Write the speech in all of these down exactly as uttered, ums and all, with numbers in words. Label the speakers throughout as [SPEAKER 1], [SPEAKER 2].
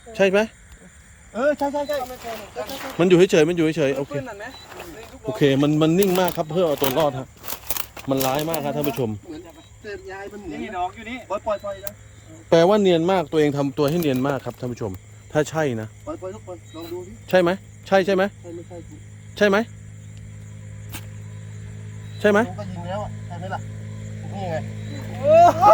[SPEAKER 1] ใช่ไหม
[SPEAKER 2] เออใช่ใช่ใช่
[SPEAKER 1] มันอยู่เฉยๆมันอยู่เฉยๆโอเคโอเคมันมันนิ่งมากครับเพื่อเอาตัวรอดฮะมันร้ายมากครับท่านผู้ชม
[SPEAKER 2] เต็มยายมันเหมือน
[SPEAKER 3] นี่ดอกอยู่นี่
[SPEAKER 2] ปล่อยปล่อยปล่อยนะ
[SPEAKER 1] แปลว่าเนียนมากตัวเองทำตัวให้เนียนมากครับท่านผู้ชมถ้าใช่นะ
[SPEAKER 2] ปล่อยปล่อยทุกคนลองดูดิ
[SPEAKER 1] ใช่ไหมใช่ใช่ไหม
[SPEAKER 2] ใช่ไม่ใช่กู
[SPEAKER 1] ใช่ไหมใช่ไหม
[SPEAKER 2] กูก็ยิงแล้วอ่ะใช่ไหมล่ะนี่ไง
[SPEAKER 1] โอ้โห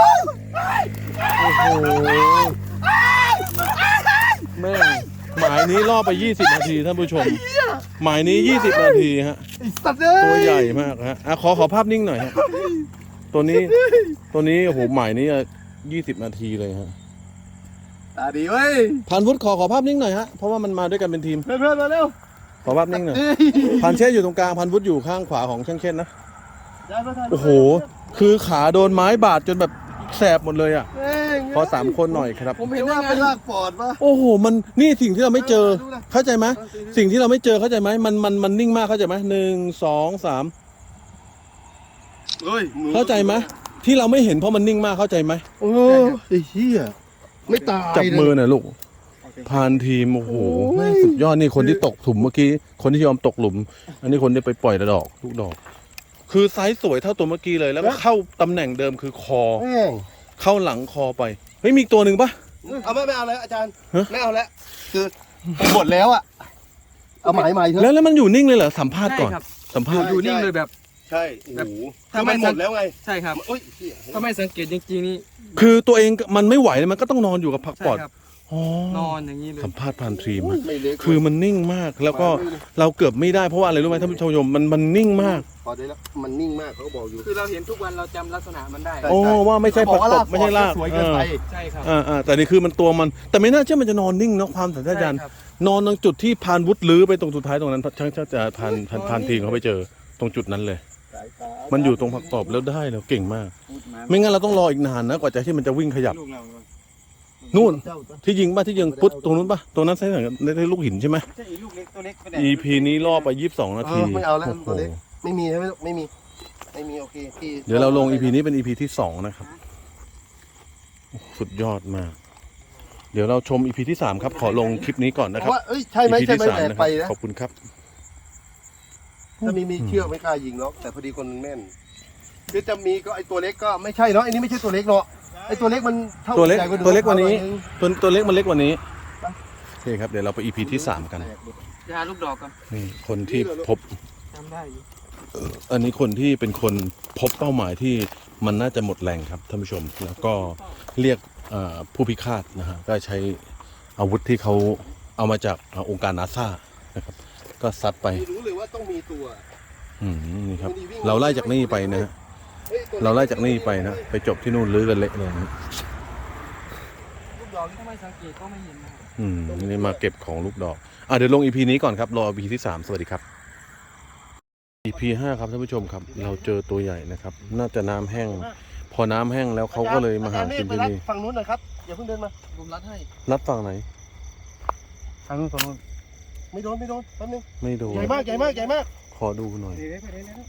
[SPEAKER 1] แม่งหมายนี้ล่อไปยี่สิบนาทีท่านผู้ชมหมายนี้ยี่สิบนาทีฮะ
[SPEAKER 2] ไอ้สัตว์เอ้ย
[SPEAKER 1] ตัวใหญ่มากฮะอ่ะขอขอภาพนิ่งหน่อยฮะตัวนี้ตัวนี้โอ้โหหมายนี้ยี่สิบนาทีเลยฮะ
[SPEAKER 2] ตาดีเว้ย
[SPEAKER 1] พันวุฒิขอขอภาพนิ่งหน่อยฮะเพราะว่ามันมาด้วยกันเป็นทีม
[SPEAKER 2] เพื่อนเพื่อนมาเร็ว
[SPEAKER 1] ขอภาพนิ่งหน่อยพันเช่อยู่ตรงกลางพันวุฒิอยู่ข้างขวาของช่างเช่นนะโอ้โหคือขาโดนไม้บาดจนแบบแสบหมดเลยอ่ะขอสามคนหน่อยครับ
[SPEAKER 2] ผมเห็นว่าไปลากปอดปะ
[SPEAKER 1] โอ้โหมันนี่สิ่งที่เราไม่เจอเข้าใจไหมสิ่งที่เราไม่เจอเข้าใจไหมมันมันมันนิ่งมากเข้าใจไหมหนึ่งสองสาม
[SPEAKER 2] เฮ้ย
[SPEAKER 1] เข้าใจไหมที่เราไม่เห็นเพราะมันนิ่งมากเข้าใจไหม
[SPEAKER 2] โอ้ไอ้เหี้ยไม่ตาย
[SPEAKER 1] จับมือหน่อยลูกพานทีมโอ้โหแม่งสุดยอดนี่คนที่ตกถุมเมื่อกี้คนที่ยอมตกหลุม อันนี้คนที่ไปปล่อยดอกลูกดอก คือไซส์สวยเท่าตัวเมื่อกี้เลยแล้วก็เข้าตำแหน่งเดิมคือคอ
[SPEAKER 2] แม่ง
[SPEAKER 1] เข้าหลังคอไปเฮ้ยมีอีกตัวหนึ่งปะ
[SPEAKER 2] เอาไม่ไม่เอาแล้วอาจารย์
[SPEAKER 1] ฮะ
[SPEAKER 2] ไม่เอาแล้วคือหมดแล้วอ่ะเอาหมายใหม่เถ
[SPEAKER 1] แล้ว
[SPEAKER 2] อะ
[SPEAKER 1] แล้วมันอยู่นิ่งเลยเหรอสัมภาษณ์ก่อน
[SPEAKER 3] ใช่ครับ
[SPEAKER 1] สัมภาษณ์
[SPEAKER 3] อยู่นิ่งเลยแบบ
[SPEAKER 2] ใช่โอ้
[SPEAKER 3] แบบ
[SPEAKER 2] โห
[SPEAKER 3] ถ้า
[SPEAKER 2] คือ
[SPEAKER 3] ไม่
[SPEAKER 2] มันหมดแล้วไง
[SPEAKER 3] ใช่ครับ
[SPEAKER 2] โอ้ยเหี้ย
[SPEAKER 3] ถ้าไม่สังเกตจริงๆนี่
[SPEAKER 1] คือตัวเองมันไม่ไหวเลยมันก็ต้องนอนอยู่กับผัก
[SPEAKER 3] ใช่
[SPEAKER 1] ปอด
[SPEAKER 3] ครับ
[SPEAKER 1] อ๋อน
[SPEAKER 3] อนอย่างนี้เลย
[SPEAKER 1] สัมภาษณ์พานทีม
[SPEAKER 2] โอ้
[SPEAKER 1] อะ
[SPEAKER 2] ยไม่เล็ก
[SPEAKER 1] คือมันนิ่งมากแล้วก็เราเกือบไม่ได้เพราะว่าอะไรรู้ไหมท่านผู้ชมมันมันนิ่งมาก
[SPEAKER 2] พอได้แล้วมันนิ่งมากเขาก็บอกอยู่
[SPEAKER 3] คือเราเห็นทุกวันเราจำลักษณะมันได้
[SPEAKER 2] ใช่
[SPEAKER 1] โอ้ว่าไม่ใช่ผักตบไม่ใช่ลาก
[SPEAKER 2] สวยเกินไป
[SPEAKER 3] ใช่ครับ
[SPEAKER 1] อ่าอ่าแต่นี่คือมันตัวมันแต่ไม่น่าเชื่อมันจะนอนนิ่งเนาะความสัญชาตญาณ
[SPEAKER 3] ใช่ครับ
[SPEAKER 1] นอนตรงจุดที่พานวุฒิลื้อไปตรงสุดท้ายตรงนั้นช่างช่างจะพานพานพานทีมเขาไปเจอตรงจุดนั้นเลย มันอยู่ตรงผักตบแล้วได้แล้วเก่งมาก ไม่งั้นเราต้องรออีกนานนะกว่าจะที่มันจะวิ่งขยับ
[SPEAKER 3] ลูกเรา
[SPEAKER 1] นู่นที่ยิงป่ะที่ยิงปุ๊บตรงนู้นป่ะตรงนั้นใช่ไหมในลูกหินใช่ไหม
[SPEAKER 3] ใช่อีลูกเล็กตัวเล็กไปไหน
[SPEAKER 1] อี พี นี้ล่อไปยี่สิบสองนา
[SPEAKER 2] เอ
[SPEAKER 1] ที
[SPEAKER 2] อไม่เอาแล้ว
[SPEAKER 1] โอ้โห
[SPEAKER 2] ตัวเล็กไม่มีใช่ไหมลูกไม่มีไม่มีโอเคพี่
[SPEAKER 1] เดี๋ยวเราลง อี พี นี้เป็น อี พี ที่สองนะครับโอ้โหสุดยอดมาก เดี๋ยวเราชม อี พี ที่สามครับขอลงคลิปนี้ก่อนนะครับ
[SPEAKER 2] ว่าเอ้ยใช่ไหม
[SPEAKER 1] อี พี
[SPEAKER 2] ใช่
[SPEAKER 1] ที่
[SPEAKER 2] ไหม
[SPEAKER 1] สาม
[SPEAKER 2] แหลก
[SPEAKER 1] นะค
[SPEAKER 2] ไป
[SPEAKER 1] รับ
[SPEAKER 2] นะ
[SPEAKER 1] ขอบคุณครับ
[SPEAKER 2] ถ้ามีมีเชือกไม่กล้ายิงหรอกแต่พอดีคนมันแม่นคือจะมีก็ไอตัวเล็กก็ไม่ใช่เนาะไอ้นี่ไม่ใช่ตัวเล็กเนาะไอตัวเล็กมันเท่า
[SPEAKER 1] ตัวเล็ก
[SPEAKER 2] ใหญ่า
[SPEAKER 1] ตัวเล็กกว่านี้
[SPEAKER 2] หอยง
[SPEAKER 1] ตัวตัวเล็กมันเล็กกว่านี้โอเคครับเดี๋ยวเราไป อี พี ที่สามกัน
[SPEAKER 3] ยาลูกดอกกัน
[SPEAKER 1] นี่คนที่พบ
[SPEAKER 3] จำได้อยู่
[SPEAKER 1] อันนี้คนที่เป็นคนพบเป้าหมายที่มันน่าจะหมดแรงครับท่านผู้ชม แล้วก็เรียกเอ่อผู้พิฆาตนะฮะก็ใช้อาวุธที่เขาเอามาจากเอ่อองค์การนาซานะครับก็ซัดไป
[SPEAKER 2] ไม่รู้เลยว่าต้องมีตัว
[SPEAKER 1] อืมนี่ครับเราไล่จากนี่ไปนะฮะ
[SPEAKER 2] ฮ้ยตัว
[SPEAKER 1] เราไล่จากนี่ไปนะไปจบที่นู่นลื้อกันเละเลยนะ
[SPEAKER 3] ลูกดอกนี่ถ้าไม่สังเกตก็ไม่เห็นนะครับ
[SPEAKER 1] อืมนี่มาเก็บของลูกดอกอ่ะเดี๋ยวลง อี พี นี้ก่อนครับรอ อี พี ที่สามสวัสดีครับ อี พี ห้าครับท่านผู้ชมครับ เราเจอตัวใหญ่นะครับ น่าจะน้ำแห้ง พอน้ำแห้งแล้วเขาก็เลยมาหากินที่นี่
[SPEAKER 2] ฝั่งนู้นหน่อยครับอย่าเพิ่งเดินมา
[SPEAKER 3] ผมรัดให้
[SPEAKER 1] นัดฝั่งไหน
[SPEAKER 3] ทางนู้นฝั่งนู้น
[SPEAKER 2] ไม่โดนไม่โดนแป๊บนึง
[SPEAKER 1] ไม่โดน
[SPEAKER 2] ใหญ่มากใหญ่มากใหญ่มาก
[SPEAKER 1] ขอดูหน่อย
[SPEAKER 3] เดี๋ยวไปเดี๋ยวเดี๋ยว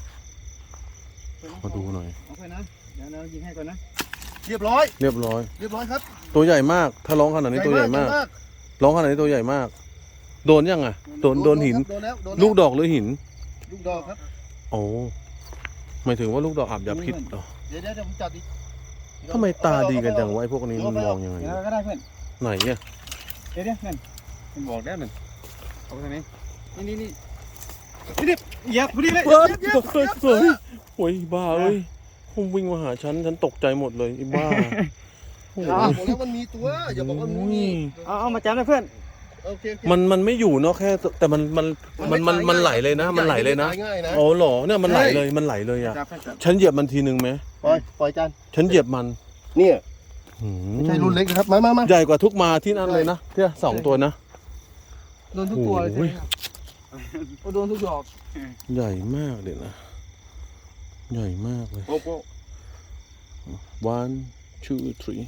[SPEAKER 1] ขอดูหน่อย
[SPEAKER 3] เอาไปนะเดี๋ยวเรายิงให้ก่อนนะ
[SPEAKER 2] เรียบร้อย
[SPEAKER 1] เรียบร้อย
[SPEAKER 2] เรียบร้อยครับ
[SPEAKER 1] ตัวใหญ่มาก ถ้าร้องขนาดนี้ตัวใหญ่มาก ร้องขนาดนี้ตัวใหญ่มาก โดนยังอ่ะ โดนโดนหิน
[SPEAKER 2] โดนแล้วโดนแล้ว
[SPEAKER 1] ลูกดอกหรือหิน
[SPEAKER 2] ลูกดอกครับ
[SPEAKER 1] โอ้หมายถึงว่าลูกดอกอาบยาพิษเหรอ
[SPEAKER 2] เดี๋ยวเดี๋ยวเดี๋ยวผมจับดิ
[SPEAKER 1] ทำไมตาดีกันจังวะไอ้พวกนี้มันมองยังไง
[SPEAKER 3] เดี๋ยวก็ได้เพื่อน
[SPEAKER 1] ไหนเนี่ย
[SPEAKER 3] เดี๋ยวเดี๋ยวเพื่อนมันบอกแล้วหนึ่งเอาไปทางนี้นี่นี่นี่นี่นี่เหยียบพอดีเลย
[SPEAKER 1] เฮ้ยตกใจเฮ้ยโอ้ยบ้าเอ้ยผมวิ่งมาหาฉันฉันตกใจหมดเลยไอ้บ้าโอ้โห
[SPEAKER 2] อ่าบอกแล้วมันมีตัวอย่าบอกว่ามันไม่มี
[SPEAKER 3] เอาเอามาจับเลยเพื่อน
[SPEAKER 2] โอเคโอเค
[SPEAKER 1] มันมันไม่อยู่เนาะแค่แต่มันมันมันมันมันไหลเลยนะ มันไหลเลยนะ
[SPEAKER 2] ง่ายนะ
[SPEAKER 1] โอ้เหรอเนี่ยมันไหลเลยมันไหลเลยอ่ะ
[SPEAKER 3] จับเพื่อนจับ
[SPEAKER 1] ฉันเหยียบมันทีนึงไหม
[SPEAKER 2] ปล่อยปล่อยจาน
[SPEAKER 1] ฉันเหยียบมัน
[SPEAKER 2] เนี่ย
[SPEAKER 1] หืม
[SPEAKER 2] ไม่ใช่รุ่นเล็กนะครับมามามา
[SPEAKER 1] ใหญ่กว่าทุกมาที่นั่นเลยนะที่สองตัวนะ
[SPEAKER 3] โดนทุกตัวเลยใช่
[SPEAKER 1] โอ้
[SPEAKER 3] ไหม
[SPEAKER 1] ย
[SPEAKER 3] ครับโอ้โดนทุกดอก
[SPEAKER 1] ใหญ่มากเลยนะใหญ่มากเลย
[SPEAKER 2] โอ้โห
[SPEAKER 1] one two three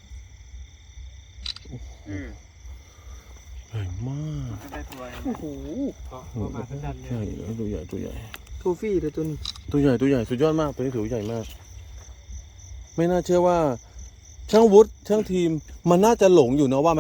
[SPEAKER 3] อืม
[SPEAKER 1] ใหญ่มาก
[SPEAKER 3] ได้ตัว
[SPEAKER 2] โอ้โห
[SPEAKER 3] ประมาณนั้นเล
[SPEAKER 1] ใหญ่
[SPEAKER 3] ย
[SPEAKER 1] ตัวใหญ่ตัวใหญ่
[SPEAKER 3] ทูฟี่เลยตัวนี้
[SPEAKER 1] ตัวใหญ่ตัวใหญ่สุดยอดมากตัวนี้ถือว่าใหญ่มาก ไม่น่าเชื่อว่า ช่างวุฒิช่างทีมมันน่าจะหลงอยู่เนาะว่าไหม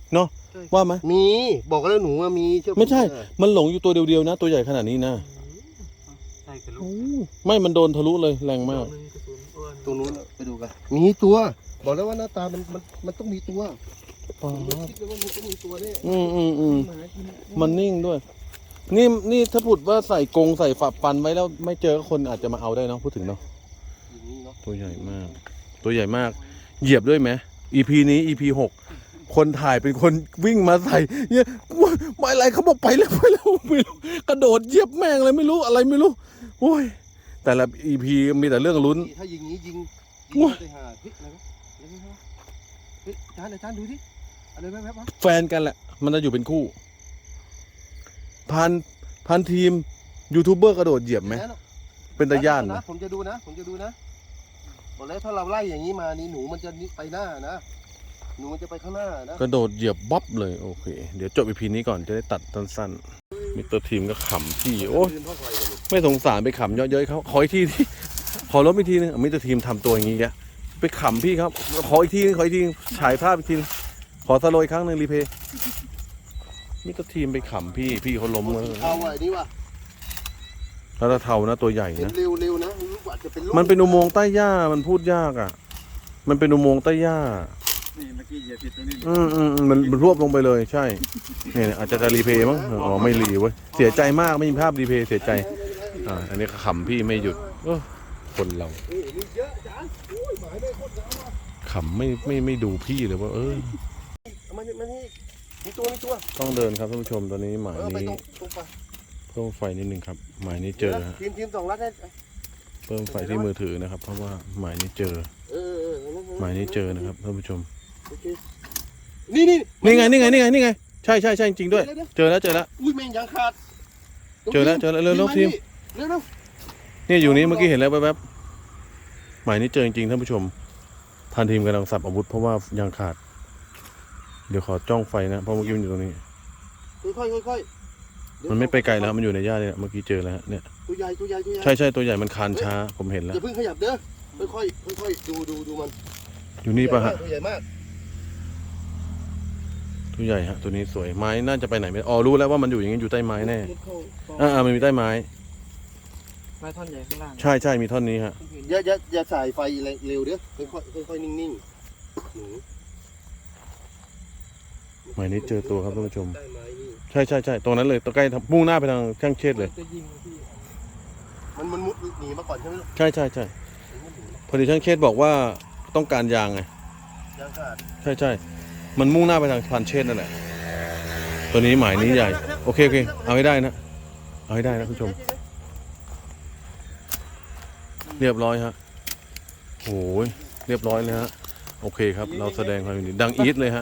[SPEAKER 1] เนาะว่าไหม
[SPEAKER 2] มีบอกแล้วหนูว่ามีเชื่อผ
[SPEAKER 1] ไม่ใช่
[SPEAKER 2] เถอะ
[SPEAKER 1] มันหลงอยู่ตัวเดียวๆนะ ตัวใหญ่ขนาดนี้นะ
[SPEAKER 3] ใช่คือลู
[SPEAKER 1] โอ้
[SPEAKER 3] ก
[SPEAKER 1] ไม่มันโดนทะลุเลยแรงมาก
[SPEAKER 2] ตรงนู้นไปดูกันมีตัว บอกแล้วว่าหน้าตามันมันมันต้องมีตัว
[SPEAKER 1] อ๋อ
[SPEAKER 2] ผมคิดเลยว่ามันต้องมีตัวเนี่ย
[SPEAKER 1] อืมอืมอืมมันนิ่งด้วย นี่นี่ถ้าพูดว่าใส่กรงใส่ฝักฟันไว้แล้วไม่เจอคนอาจจะมาเอาได้เนาะพูดถึงเนาะ
[SPEAKER 2] อย่างนี้เนาะ
[SPEAKER 1] ตัวใหญ่มาก ตัวใหญ่มาก เหยียบด้วยไหม อี พี นี้ อี พี หก คนถ่ายเป็นคนวิ่งมาใส่เนี่ยไม่อะไรเขาบอกไปแล้วไปแล้วไม่รู้กระโดดเหยียบแม่งเลยไม่รู้อะไรไม่รู้โอ้ยแต่ละ อี พี มีแต่เรื่องลุ้น
[SPEAKER 2] ถ้ายิงนี้ยิง
[SPEAKER 1] โอ้
[SPEAKER 2] ยิง
[SPEAKER 1] ย
[SPEAKER 2] ไปหาเฮ้ยอะไรวะอะไรวะเฮ้ยอาจารย์อาจารย์ดูดิอะไรแว๊บๆวะ
[SPEAKER 1] แฟนกันแหละ มันจะอยู่เป็นคู่ พันพันทีมยูทูบเบอร์กระโดดเหยียบไหม
[SPEAKER 2] แล้ว
[SPEAKER 1] เป็นตาย่าน
[SPEAKER 2] นะ
[SPEAKER 1] นะ
[SPEAKER 2] ผมจะดูนะ ผมจะดูนะบอกแล้วถ้าเราไล่อย่างนี้มานี่หนูมันจะไปหน้านะ หนูมันจะไปข้างหน้านะ
[SPEAKER 1] กระโดดเหยียบบ๊อบเลยโอเค เดี๋ยวจบ อี พี นี้ก่อนจะได้ตัดสั้นๆมิสเตอร์ทีมก็ขำพี่โอ้ย
[SPEAKER 2] ยืนเพราะไฟกันเลย
[SPEAKER 1] ไม่สงสารไปขำเยอะๆเขาขออีกทีที่ ขอลบอีกทีนึงมิสเตอร์ทีมทำตัวอย่างนี้แกไปขำพี่ครับขออีกทีนึงขออีกทีนึงฉายภาพอีกทีนึงขอสโลว์อีกครั้งหนึ่งรีเพย์มิสเตอร์ทีมไปขำพี่พี่เขาล้มเลย
[SPEAKER 2] เอาไว้นี่ว่ะ
[SPEAKER 1] แล้วถ้าเทานะตัวใหญ่
[SPEAKER 2] เห็น
[SPEAKER 1] นะ
[SPEAKER 2] เร็วๆนะรู้ว่าจะเป็นลูก
[SPEAKER 1] มันเป็นอุโมงค์ใต้หญ้ามันพูดยากอ่ะ มันเป็นอุโมงค์ใต้หญ้า
[SPEAKER 3] นี่เมื่อกี้เหยียบผิดตรงนี้
[SPEAKER 1] อืมอืมอืมมันมันรวบลงไปเลยใช่เนี่ยอาจจะจะรีเพย์มั้งอ๋อไม่รีเว้ยเสียใจมากไม่มีภาพรีเพย์เสียใจอ่าอันนี้ขำพี่ไม่หยุดเออคนเรา
[SPEAKER 2] เฮ้ยมีเยอะอาจารย์โอ้ยหมายได้โคตรยาวว่ะ
[SPEAKER 1] ขำไม่ไม่ไม่ดูพี่เลยว่าเออ
[SPEAKER 2] เอามานี่มานี่มีตัวมีตัว
[SPEAKER 1] ต้องเดินครับท่านผู้ชมตอนนี้หมาย
[SPEAKER 2] เออไป
[SPEAKER 1] นี้
[SPEAKER 2] ตรงตรงไป
[SPEAKER 1] เพิ่มไฟนิดนึงครับหมายนี้เจอฮะ
[SPEAKER 2] ทีมทีมสองรัดได้
[SPEAKER 1] เพิ่มไฟที่มือถือนะครับ เพราะว่าหมายนี้เจอ
[SPEAKER 2] เออเออเออ
[SPEAKER 1] หมายนี้เจอนะครับท่านผู้ชม
[SPEAKER 2] โอเคนี่นี่
[SPEAKER 1] นี่ไงนี่ไงนี่ไงนี่ไงใช่ใช่ใช่จริงๆด้วย
[SPEAKER 2] เดี๋ๆ
[SPEAKER 1] เจอแล้วเจอแล้ว
[SPEAKER 2] อุ้ยแม่งยังขาด
[SPEAKER 1] เจอแล้วเจอแล้วเร็วๆทีม
[SPEAKER 2] เร็วเร็ว
[SPEAKER 1] เนี่ยอยู่นี้เมื่อกี้เห็นแล้วแป๊บๆหมายนี้เจอจริงๆท่านผู้ชมพันทีมกำลังสับอาวุธเพราะว่ายางขาด เดี๋ยวขอจ้องไฟนะเพราะเมื่อกี้มันอยู่ตรงนี้
[SPEAKER 2] ค่อยๆค่อยๆ
[SPEAKER 1] มันไม่ไปไกลแล้วมันอยู่ในหญ้าเนี่ยเมื่อกี้เจอแล้วฮะเนี่ย
[SPEAKER 2] ตัวใหญ่ตัวใหญ่ตัวใหญ่
[SPEAKER 1] ใช่ใช่ตัวใหญ่มันคานช้าผมเห็นแล้ว
[SPEAKER 2] อย่าเพิ่งขยับเด้อค่อยๆค่อยๆดูดูดูมัน
[SPEAKER 1] อยู่นี่ปะฮะ
[SPEAKER 2] ตัวใหญ่มาก
[SPEAKER 1] ตัวใหญ่ฮะตัวนี้สวยไม้น่าจะไปไหนไม่อ๋อรู้แล้วว่ามันอยู่อย่างนี้อยู่ใต้ไม้แน่
[SPEAKER 2] มุดเข้า
[SPEAKER 1] อ่าอ่ามันมีใต้ไม้
[SPEAKER 3] ไม้ท่อนใหญ่ข้างล่าง
[SPEAKER 1] ใช่ใช่มีท่อนนี้ฮะ
[SPEAKER 2] อย่าอย่าอย่าสายไฟเร็วเด้อค่อยๆค่อยๆนิ่งๆหนู
[SPEAKER 1] หมายนี้เจอตัวครับท่านผู้ชม
[SPEAKER 2] ใต้ไม้นี่
[SPEAKER 1] ใช่ใช่ใช่ตรงนั้นเลยตัวใกล้มุ่งหน้าไปทางช่างเชษเลย
[SPEAKER 3] จะยิงพี่
[SPEAKER 2] มันมันมุดหนีมาก่อนใช่ไหมลูก
[SPEAKER 1] ใช่ใช่ใช่
[SPEAKER 2] มันมุดหนี
[SPEAKER 1] พอดีช่างเชษบอกว่าต้องการยางไง
[SPEAKER 2] ยังขาด
[SPEAKER 1] ใช่ใช่มันมุ่งหน้าไปทางพันเชษนั่นแหละตัวนี้หมายนี้ใหญ่โอเคโอเคเอาให้ได้นะเอาให้ได้นะคุณผู้ชม เรียบร้อยฮะโอ้ยเรียบร้อยเลยฮะโอเคครับ เราแสดงความยินดีดังอีทเลยฮะ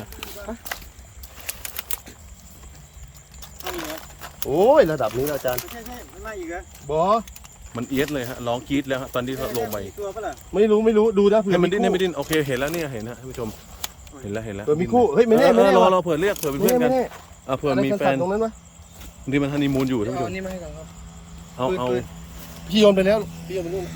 [SPEAKER 2] โอ้ยระดับนี้แล้วอาจารย์
[SPEAKER 3] ใช่ใช่มันไล่อีกเหรอบ
[SPEAKER 2] อ
[SPEAKER 1] มันเอียดเลยฮะร้องกรี๊ดแล้วฮะตอนที่เขาลงไป
[SPEAKER 3] ตัวปะล่ะ
[SPEAKER 2] ไม่รู้ไม่รู้ดูนะเผื่
[SPEAKER 1] ให้
[SPEAKER 2] อ
[SPEAKER 1] มันดิ้นให้
[SPEAKER 2] คู่
[SPEAKER 1] มันดิ้นโอเคเห็นแล้วเนี่ยเห็นนะท่านผู้ชมเห็นแล้วเห็นแล้ว
[SPEAKER 2] เผื่อมีคู่เฮ้ยไม่แน่
[SPEAKER 1] เออ
[SPEAKER 2] ไม่แน่
[SPEAKER 1] รอ
[SPEAKER 2] ว่ะ
[SPEAKER 1] รอเผื่อเรียกเผื่อเป็น
[SPEAKER 2] ไม่
[SPEAKER 1] เพื่อน
[SPEAKER 2] แน่
[SPEAKER 1] กัน
[SPEAKER 2] ไม่แน่
[SPEAKER 1] อ่ะเผื่อมีแฟน
[SPEAKER 2] ตรงนั้นวะ
[SPEAKER 1] ที่มันฮันนีมูนอยู่ท่านผู้ชม
[SPEAKER 3] เอานี่มาให้ก่อนครับ
[SPEAKER 1] เอาเอา
[SPEAKER 2] พี่โยนไปแล้วพี่โยนไปนู่น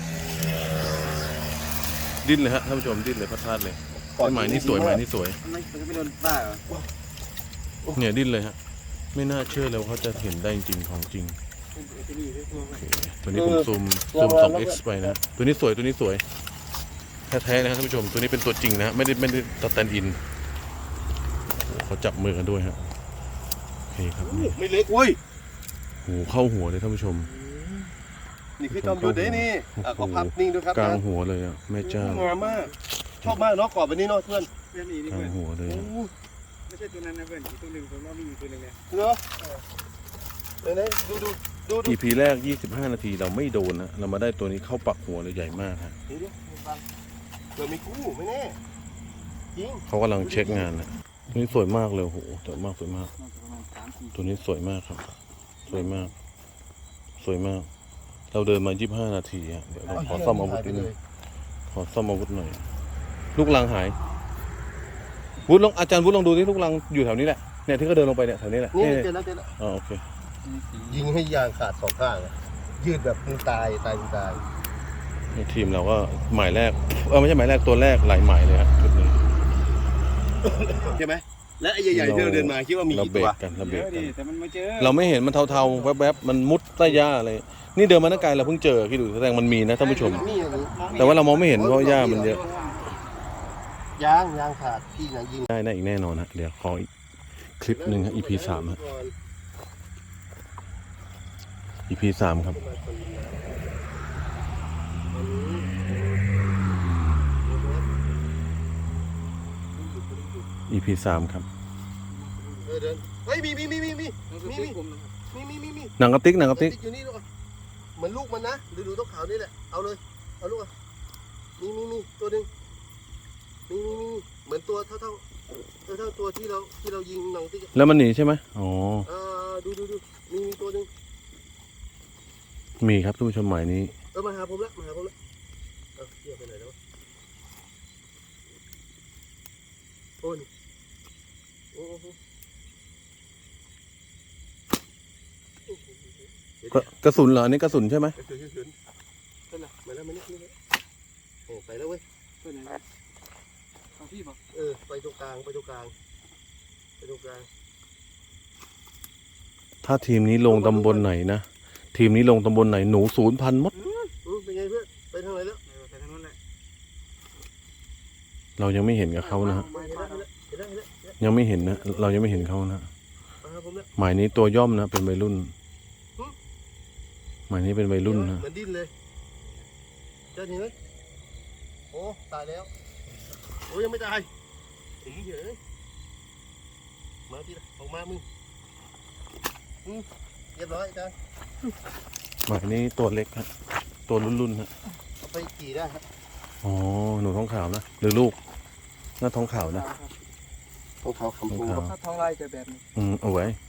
[SPEAKER 1] ดิ้นเลยฮะท่านผู้ชมดิ้นเลยพัดพลาดเลยหมายนี้สวยหมายนี้สวย
[SPEAKER 3] มันไม่มันไม่โดนบ้าเหรอ
[SPEAKER 1] เนี่ยดิ้นเลยฮะไม่น่าเชื่อเลยว่าเขาจะเห็นได้จริงของจริง
[SPEAKER 3] จะมีด้วยตัวมัน
[SPEAKER 1] ตัวนี้ผมซูมซูม สองเอ็กซ์ ไปนะตัวนี้สวยตัวนี้สวยแท้ๆนะครับท่านผู้ชมตัวนี้เป็นตัวจริงนะไม่ได้ไม่ได้สแตนด์อินโอ้เขาจับมือกันด้วยฮะโอเคครับนี่
[SPEAKER 2] ไม่เล็กเว้ย
[SPEAKER 1] โอ้เข้าหัวเลยท่านผู้ชม
[SPEAKER 2] นี่คือจอมยุทธเด้นี่อ่ะขอพับนิ่งด้วยครับ
[SPEAKER 1] กลาง
[SPEAKER 2] นะ
[SPEAKER 1] หัวเลยอ่ะแม่เจ้าง
[SPEAKER 2] ามมากชอบมากเนาะกรอบแบบนี้เนาะเพื่อน
[SPEAKER 3] เพื่อนมีนี่
[SPEAKER 1] กลา
[SPEAKER 3] เพื่อง น
[SPEAKER 1] หัวเลย
[SPEAKER 2] โอ้
[SPEAKER 1] อะ
[SPEAKER 3] ไม่ใช่ตัวนั้นนะเพื่อนอีกตัวหนึ่งผมว่ามีอยู่ตัวหนึ่งเนี่ย
[SPEAKER 2] เนาะไหนๆดูดูดูดู
[SPEAKER 1] อีพีแรกยี่สิบห้านาทีเราไม่โดนนะเรามาได้ตัวนี้เข้าปักหัวเลยใหญ่มากฮะ
[SPEAKER 2] ดูดิเผื่อมีคู่ไม่แน่จริง
[SPEAKER 1] เขากำลังเช็คงานนะตัวนี้สวยมากเลยโอ้โหสวยมากสวยมาก
[SPEAKER 3] น่าจะประมาณสามสี่
[SPEAKER 1] ตัวนี้สวยมากครับ สวยมาก สวยมาก เราเดินมายี่สิบห้านาทีฮะเดี๋ยวเราขอซ่อมอาวุธนิดนึงขอซ่อมอาวุธหน่อย ลูกลังหายวุฒิลองอาจารย์วุฒิลองดูที่ลูกลังอยู่แถวนี้แหละเนี่ยที่เขาเดินลงไปเนี่ยแถวนี้แหละ
[SPEAKER 2] นี่
[SPEAKER 1] นี่
[SPEAKER 2] เจอแล้วเจอแล้ว
[SPEAKER 1] อ๋อโอเค
[SPEAKER 2] ยิงให้ยางขาดสองข้างอะยืดแบบมึงตายตายมึงตาย
[SPEAKER 1] นี่ทีมเราก็หมายแรกเออไม่ใช่หมายแรกตัวแรกหลายหมายเลยครับชุดนี้
[SPEAKER 2] ใช่ไหมและไอ้ใหญ่ๆที่เราเดินมาคิดว่ามี
[SPEAKER 1] เรา
[SPEAKER 2] กี่
[SPEAKER 1] เบร
[SPEAKER 2] ตัว
[SPEAKER 1] กกันเราเบ
[SPEAKER 3] เย
[SPEAKER 1] รก
[SPEAKER 3] อะ
[SPEAKER 1] กั
[SPEAKER 3] ดิ
[SPEAKER 1] น
[SPEAKER 3] แต่มันไม่เจอ
[SPEAKER 1] เราไม่เห็นมันเทาๆแวบๆมันมุดใต้หญ้าเลยนี่เดินมาตั้งไกลเราเพิ่งเจอคิดดูแสดงมันมีนะท่านผู้ชม
[SPEAKER 2] นี่อย่างนี้
[SPEAKER 1] แต่ว่าเรามองไม่เห็นเพราะหญ้ามันเยอะ
[SPEAKER 2] ยางยางขาดพี่นะยิง
[SPEAKER 1] ได้นะอีกแน่นอนฮะเดี๋ยวขออีกคลิปหนึ่งฮะ อี พี สามฮะ อี พี สามครับ อี พี สามครับ
[SPEAKER 2] เออเดินเฮ้ยมีมีมีมีมีมีมีมีมีมี
[SPEAKER 1] หนังกระติกหนังกระติก
[SPEAKER 2] อยู่นี่ลูกอ่ะเหมือนลูกมันนะดูดูตัวขาวนี่แหละเอาเลยเอาลูกอ่ะมีมีมีตัวหนึ่งมีมีมีเหมือนตัวเท่าเท่าเท่าเท่าตัวที่เราที่เรายิงหนังติ๊ก
[SPEAKER 1] แล้วมันหนีใช่ไหมอ๋อ
[SPEAKER 2] อ่าดูดูดูมีมีตัวหนึ่ง
[SPEAKER 1] มีครับท่านผู้ชมหมายนี้
[SPEAKER 2] เออมาหาผมแล้วมาหาผมแล้วเออเกี่ยวไปไหนแล้ววะโอ้ยโอ้โห
[SPEAKER 1] กระกระสุนเหรออันนี้กระสุนใช่ไหม
[SPEAKER 2] กระสุนกระสุนไปละมาแล้วมานี่นี่โอ้ไปแล้วเว้ย
[SPEAKER 3] ไปไหนนะเอาพี่บอก
[SPEAKER 2] เออไปตรงกลางไปตรงกลางไปตรงกลาง
[SPEAKER 1] ถ้าทีมนี้ลงตำบลไหนนะทีมนี้ลงตำบลไหนหนูศูนย์พันหมด
[SPEAKER 2] อืมเป็นไงเพื่อนไปทางไหนแล้ว
[SPEAKER 3] เออไปทางนู้นแหละ
[SPEAKER 1] เรายังไม่เห็นกับเขานะฮะ
[SPEAKER 2] เห็นแล้วเห็นแล้วเห็นแล้วเห็นแล้ว
[SPEAKER 1] ยังไม่เห็นนะเรายังไม่เห็นเขานะ
[SPEAKER 2] มาหาผมแล้ว
[SPEAKER 1] หมายนี้ตัวย่อมนะเป็นวัยรุ่น หมายนี้เป็นวัยรุ่นนะ
[SPEAKER 2] เหมือนดิ้นเลยเจอเห็นไหมโอ้ตายแล้วโอ้ยังไม่ตายถึงเฉยมาทีละออกมามึงอืมเรียบร้อยอาจารย์
[SPEAKER 1] หมายนี้ตัวเล็กฮะตัวรุ่นๆฮะ
[SPEAKER 2] เอาไปกี่ได้ครับ
[SPEAKER 1] อ๋อหนูท้องขาวนะหรือลูกน่าท้องขาวนะ
[SPEAKER 2] ของเขาคำพู
[SPEAKER 1] ของเขา
[SPEAKER 3] ถ้าท้องไล่จะแบบนี้
[SPEAKER 1] อืมเอาไว้
[SPEAKER 2] อ